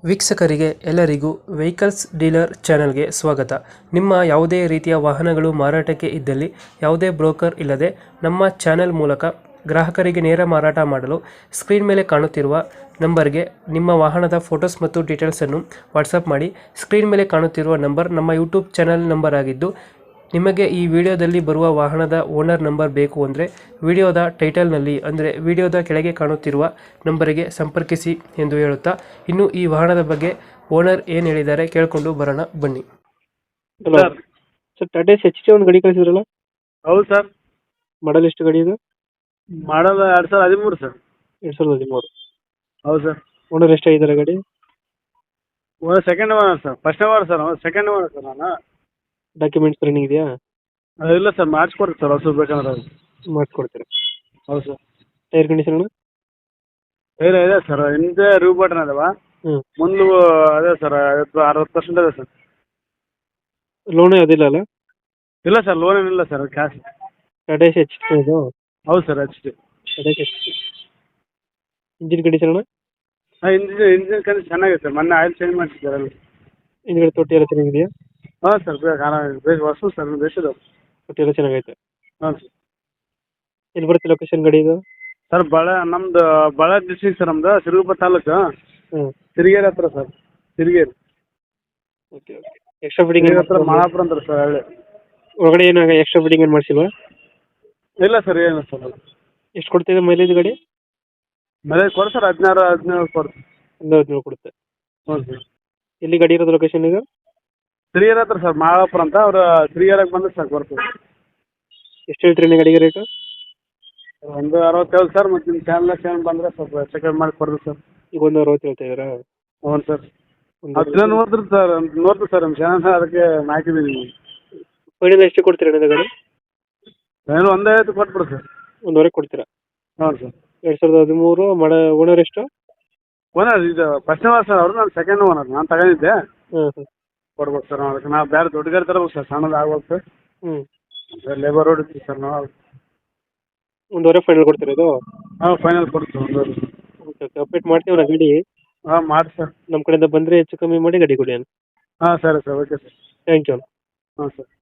ವೀಕ್ಷಕರಿಗೆ ಎಲ್ಲರಿಗೂ vehicles dealer ಚಾನೆಲ್ಗೆ ಸ್ವಾಗತ. ನಿಮ್ಮ ಯಾವುದೇ ರೀತಿಯ ವಾಹನಗಳು ಮಾರಾಟಕ್ಕೆ ಇದ್ದಲ್ಲಿ ಯಾವುದೇ ಬ್ರೋಕರ್ ಇಲ್ಲದೆ ನಮ್ಮ ಚಾನೆಲ್ ಮೂಲಕ ಗ್ರಾಹಕರಿಗೆ ನೇರ ಮಾರಾಟ ಮಾಡಲು ಸ್ಕ್ರೀನ್ ಮೇಲೆ ಕಾಣುತ್ತಿರುವ ನಂಬರ್ಗೆ ನಿಮ್ಮ ವಾಹನದ ಫೋಟೋಸ್ ಮತ್ತು ಡೀಟೇಲ್ಸನ್ನು ವಾಟ್ಸಪ್ ಮಾಡಿ. ಸ್ಕ್ರೀನ್ ಮೇಲೆ ಕಾಣುತ್ತಿರುವ ನಂಬರ್ ನಮ್ಮ ಯೂಟ್ಯೂಬ್ ಚಾನೆಲ್ ನಂಬರ್ ಆಗಿದ್ದು, ನಿಮಗೆ ಈ ವಿಡಿಯೋದಲ್ಲಿ ಬರುವ ವಾಹನದ ಓನರ್ ನಂಬರ್ ಬೇಕು ಅಂದರೆ ವಿಡಿಯೋದ ಟೈಟಲ್ನಲ್ಲಿ ಅಂದರೆ ವಿಡಿಯೋದ ಕೆಳಗೆ ಕಾಣುತ್ತಿರುವ ನಂಬರಿಗೆ ಸಂಪರ್ಕಿಸಿ ಎಂದು ಹೇಳುತ್ತಾ, ಇನ್ನು ಈ ವಾಹನದ ಬಗ್ಗೆ ಓನರ್ ಏನು ಹೇಳಿದ್ದಾರೆ ಕೇಳಿಕೊಂಡು ಬರೋಣ ಬನ್ನಿ. Hello sir sir, Tata HT ಒಂದು ಗಾಡಿ ಕಳಿಸಿದ್ರಲ್ಲ, ಹೌದು ಸರ್. ಮಾಡಲ್ ಎಷ್ಟು ಗಾಡಿ ಇದು? Model 2013 sir. 2013. ಹೌದು ಸರ್. ಓನರ್ ಎಷ್ಟಾಗಿದ್ದಾರೆ ಗಾಡಿ? Second owner sir. First owner sir, second owner sir ನಾನು. ಡಾಕ್ಯುಮೆಂಟ್ಸ್ ರನ್ನಿಂಗ್ ಇದೆಯಾ? ಇಲ್ಲ ಸರ್, ಮಾಡಿಸ್ಕೊಡ್ರಿ ಸರ್ ಹೊಸ ಬೇಕಂದ್ರೆ ಅದು. ಮಾಡಿಸ್ಕೊಡ್ತೀರಾ? ಹೌದು ಸರ್. Tyre condition? ಇದೆ ಸರ್, ಹಿಂದೆ ರಿವ್ ಬಟನ್ ಅದಾವ, ಹ್ಞೂ. ಮುಂದೆ ಅದೇ ಸರ್ 60% ಇದೆ ಸರ್. ಲೋನ್ ಅದಿಲ್ಲ ಅಲ್ಲ? ಇಲ್ಲ ಸರ್, ಲೋನ್ ಏನಿಲ್ಲ ಸರ್, ಕ್ಯಾಶ್. ಟಾಟಾ HT ಇದು? ಹೌದು sir, HT. Tata HT. Engine condition? Engine condition ಚೆನ್ನಾಗಿದೆ ಸರ್, ಮೊನ್ನೆ ಆಯಿಲ್ ಚೇಂಜ್ ಮಾಡಿಸಿದ್ದಾರೆ ಅಲ್ಲಿ. ಹಿಂದ್ಗಡೆ ತೊಟ್ಟಿ ಎಲ್ಲ ಚೆನ್ನಾಗಿದೆಯಾ? ಹಾಂ ಸರ್, ಹೊಸ ಸರ್, ಬೇಸಿದಾವೆ. ತೊಟ್ಟಿ ಎಲ್ಲ ಚೆನ್ನಾಗೈತೆ? ಹಾಂ ಸರ್. ಎಲ್ಲಿ ಬರುತ್ತೆ ಲೊಕೇಶನ್ ಗಾಡಿ ಇದು? ಸರ್ ನಮ್ದು ಬಳ್ಳಾರಿ ಡಿಸ್ಟ್ರಿಕ್ಟ್ ಸರ್, ನಮ್ದು ಸಿರುಗುಪ್ಪ ತಾಲೂಕು, ಹ್ಞೂ. ತಿರುಗೇರಿ ಹತ್ರ sir. Tirugeri okay okay. Extra fitting ಹತ್ರ ಮಾಲಾಪುರ ಅಂತಾರೆ ಸರ್ ಹಳ್ಳಿ. ಒಳಗಡೆ ಏನಾಗ ಎಕ್ಸ್ಟ್ರಾ ಫಿಟ್ಟಿಂಗ್ ಏನು ಮಾಡಿಸಿಲ್ವಾ? ಇಲ್ಲ ಸರ್, ಏನು ಸರ್. ಎಷ್ಟು ಕೊಡ್ತಿದೆ ಮೈಲೇಜ್ ಗಾಡಿ? ಮೈಲೇಜ್ ಕೊಡಿ ಸರ್, 16 ಕೊಡ್ತೀವಿ. 17 ಕೊಡುತ್ತೆ. ಹ್ಞೂ ಸರ್. ಎಲ್ಲಿ ಗಾಡಿ ಇರೋದು ಲೊಕೇಶನ್ ಈಗ? ತಿರುಗೇರಿ ಹತ್ರ ಸರ್, ಮಾಲಾಪುರ ಅಂತ. ಅವ್ರು ತಿರುಗೇರಿಗೆ ಬಂದ್ರೆ ಸಾಕು ಬರ್ತದೆ. ಎಷ್ಟು ಹೇಳ್ತೀರಿ ಗಾಡಿಗೆ ರೇಟು? ಒಂದು 67 ಸರ್. ಮತ್ತು ನಿಮ್ಮ ಚಾನಲ್ ಬಂದರೆ ಸ್ವಲ್ಪ ಚೆಕಪ್ ಮಾಡಿ ಕೊಡ್ರಿ ಸರ್. ಈಗ ಒಂದು 60 ಹೇಳ್ತಾ ಇದ್ದೀರಾ? ಹ್ಞೂ ಸರ್. ಒಂದು ಅದನ್ನ ನೋಡ್ರಿ ಸರ್, ನಮ್ಮ ಚಾನಲ್ ಅದಕ್ಕೆ ಹಾಕಿದ್ದೀನಿ ನೀವು. ಫೈನಲ್ ಎಷ್ಟು ಕೊಡ್ತೀರಾ ಅಣ್ಣ ಗಾಡಿ? ಏನು 1.5 ಕೊಟ್ಬಿಡಿ ಸರ್. ಒಂದುವರೆ ಕೊಡ್ತೀರಾ? ಹ್ಞೂ ಸರ್. 2013 ಓನರ್ ಎಷ್ಟು? ಓನರ್ ಇದು ಫಸ್ಟ್ ಓನರ್ ಸರ್, ಅವರು ನಾನು ಸೆಕೆಂಡ್ ಓನರ್. ನಾನು ತಗೊಂಡಿದ್ದೆ. ಹಾಂ ಹಾಂ. ಕೊಡ್ಬೇಕು ಸರ್. ಅದಕ್ಕೆ ನಾವು ಬೇರೆ ದೊಡ್ಡ ಗಾಡಿ ತರಬೇಕು ಸರ್, ಸಣ್ಣದು ಆಗ್ಬೇಕು ಸರ್. ಹ್ಞೂ. ಲೇಬರ್ ರೋಡ್ ಇತ್ತು ಸರ್ ನಾವು. ಒಂದುವರೆ ಫೈನಲ್ ಕೊಡ್ತೀರಾ ಇದು? ಹಾಂ, ಫೈನಲ್ ಕೊಡ್ತೀವಿ ಒಂದೂವರೆ. Okay okay. ಅಪ್ಡೇಟ್ ಮಾಡ್ತೀವಿ ನಾ ಗಾಡಿ. ಹಾಂ, ಮಾಡಿ ಸರ್. ನಮ್ಮ ಕಡೆಯಿಂದ ಬಂದರೆ ಹೆಚ್ಚು ಕಮ್ಮಿ ಮಾಡಿ ಗಾಡಿ ಕೊಡಿ ಅಣ್ಣ. ಹಾಂ ಸರಿ sir, okay sir. Thank you ಅಣ್ಣ. ಹಾಂ ಸರ್.